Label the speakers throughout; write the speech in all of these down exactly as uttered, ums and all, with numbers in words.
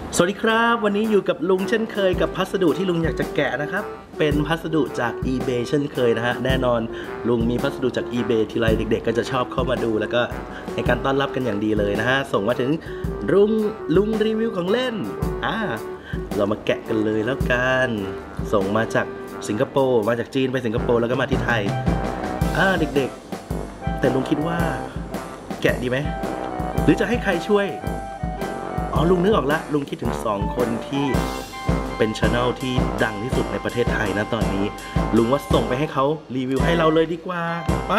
Speaker 1: สวัสดีครับวันนี้อยู่กับลุงเช่นเคยกับพัสดุที่ลุงอยากจะแกะนะครับเป็นพัสดุจาก eBay เช่นเคยนะฮะแน่นอนลุงมีพัสดุจาก eBay ทีไรเด็กๆก็จะชอบเข้ามาดูแล้วก็ให้การต้อนรับกันอย่างดีเลยนะฮะส่งมาถึงลุงลุงรีวิวของเล่นอ่าเรามาแกะกันเลยแล้วกันส่งมาจากสิงคโปร์มาจากจีนไปสิงคโปร์แล้วก็มาที่ไทยอ่าเด็กๆแต่ลุงคิดว่าแกะดีไหมหรือจะให้ใครช่วยอ๋อลุงนึกออกแล้วลุงคิดถึงสองคนที่เป็นช anel ที่ดังที่สุดในประเทศไทยนะตอนนี้ลุงว่าส่งไปให้เขารีวิวให้เราเลยดีกว่าไป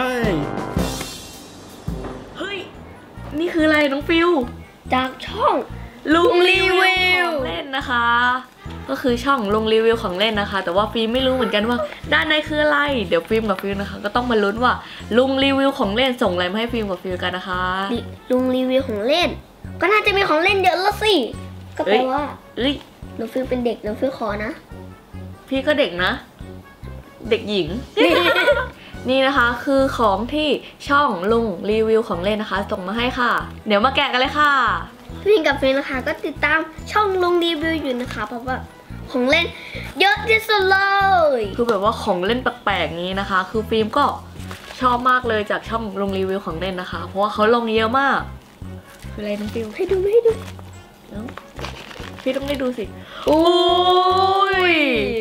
Speaker 2: เฮ้ยนี่คืออะไรน้องฟิว
Speaker 3: จากช่อง
Speaker 2: ลุงรีวิวของเล่นนะคะก็คือช่องลุงรีวิวของเล่นนะคะแต่ว่าฟิล์มไม่รู้เหมือนกันว่าด้านในคืออะไรเดี๋ยวฟิล์มกับฟิวนะคะก็ต้องมาลุ้นว่าลุงรีวิวของเล่นส่งอะไรมาให้ฟิล์มกับฟิวกันนะคะ
Speaker 3: ลุงรีวิวของเล่นก็น่าจะมีของเล่นเยอะแล้วสิก็แปลว่า
Speaker 2: เอ้ย
Speaker 3: น้องฟิวเป็นเด็กน้องฟิวขอนะ
Speaker 2: พี่ก็เด็กนะเด็กหญิง นี่นะคะคือของที่ช่องลุงรีวิวของเล่นนะคะส่งมาให้ค่ะเดี๋ยวมาแกะกันเลยค่ะ
Speaker 3: พี่กับฟิวนะคะก็ติดตามช่องลุงรีวิวอยู่นะคะเพราะว่าของเล่นเยอะที่สุดเลย
Speaker 2: คือแบบว่าของเล่นแปลกๆนี้นะคะคือฟิล์มก็ชอบมากเลยจากช่องลุงรีวิวของเล่นนะคะเพราะว่าเขาลงเยอะมากคืออะไรน้องฟิว
Speaker 3: ให้ดูให้ดู
Speaker 2: พี่ต้องได้ดูสิโอ้ย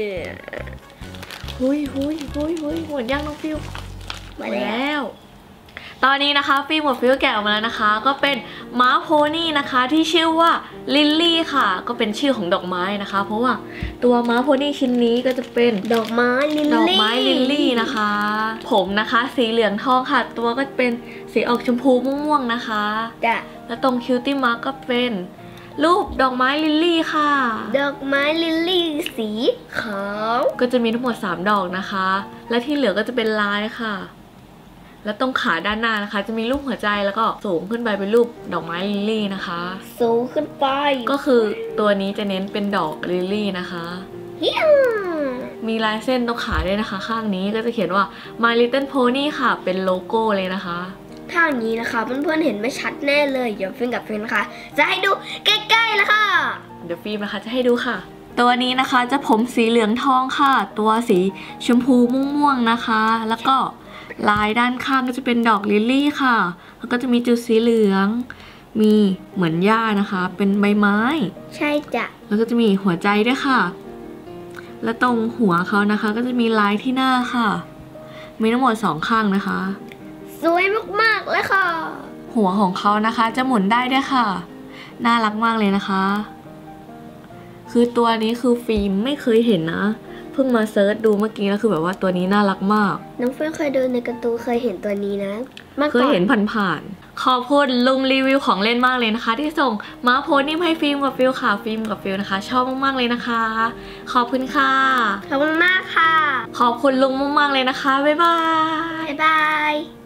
Speaker 2: หุยหุยหุยหุยหมดย่างน้องฟิว
Speaker 3: มาแล้ว
Speaker 2: ตอนนี้นะคะฟิล์มกับฟิวแกะออกมาแล้วนะคะก็เป็นม้าโพนี่นะคะที่ชื่อว่าลิลลี่ค่ะก็เป็นชื่อของดอกไม้นะคะเพราะว่าตัวม้าโพนี่ชิ้นนี้ก็จะเป็น
Speaker 3: ดอกไม้ลิลลี่
Speaker 2: ดอกไม้ลิลลี่นะคะผมนะคะสีเหลืองทองค่ะตัวก็เป็นสีออกชมพูม่วงๆนะคะ
Speaker 3: จ้ะ
Speaker 2: แล้วตรงคิวตี้มาร์กก็เป็นรูปดอกไม้ลิลลี่ค่ะ
Speaker 3: ดอกไม้ลิลลี่สีขาว
Speaker 2: ก็จะมีทั้งหมดสามดอกนะคะและที่เหลือก็จะเป็นลายค่ะแล้วตรงขาด้านหน้านะคะจะมีรูปหัวใจแล้วก็สูงขึ้นไปเป็นรูปดอกไม้ลิลลี่นะคะ
Speaker 3: สูงขึ้นไป
Speaker 2: ก็คือตัวนี้จะเน้นเป็นดอกลิลลี่นะคะมีลายเส้นตรงขาด้วยนะคะข้างนี้ก็จะเขียนว่า My Little Pony ค่ะเป็นโลโก้เลยนะคะ
Speaker 3: ถ้าอย่างนี้นะคะเพื่อนๆเห็นไม่ชัดแน่เลยเดี๋ยวฟิล์มกับฟิล์มนะคะจะให้ดูใกล้ๆแล้วค่ะ
Speaker 2: เดี๋ยวฟิล์มนะคะจะให้ดูค่ะตัวนี้นะคะจะผมสีเหลืองทองค่ะตัวสีชมพูม่วงๆนะคะแล้วก็ลายด้านข้างก็จะเป็นดอกลิลลี่ค่ะแล้วก็จะมีจุดสีเหลืองมีเหมือนหญ้านะคะเป็นใบไม้
Speaker 3: ใช่จ้ะ
Speaker 2: แล้วก็จะมีหัวใจด้วยค่ะและตรงหัวเขานะคะก็จะมีลายที่หน้าค่ะมีทั้งหมดสองข้างนะคะ
Speaker 3: สวยมากๆเลยค่ะ
Speaker 2: หัวของเขานะคะจะหมุนได้ด้วยค่ะน่ารักมากเลยนะคะคือตัวนี้คือฟิล์มไม่เคยเห็นนะเพิ่งมาเซิร์ชดูเมื่อกี้แล้วคือแบบว่าตัวนี้น่ารักมาก
Speaker 3: น้องเฟิร์นเคยดูในการ์ตูนเคยเห็นตัวนี้นะ
Speaker 2: เคยเห็นผ่านๆขอบคุณลุงรีวิวของเล่นมากเลยนะคะที่ส่งม้าโพนี่ให้ฟิล์มกับฟิลค่ะฟิล์มกับฟิลนะคะชอบมากๆเลยนะคะขอบคุณค่ะ
Speaker 3: ขอบคุณมากค่ะ
Speaker 2: ขอบคุณลุงมากๆเลยนะคะบ๊ายบาย
Speaker 3: บ๊ายบาย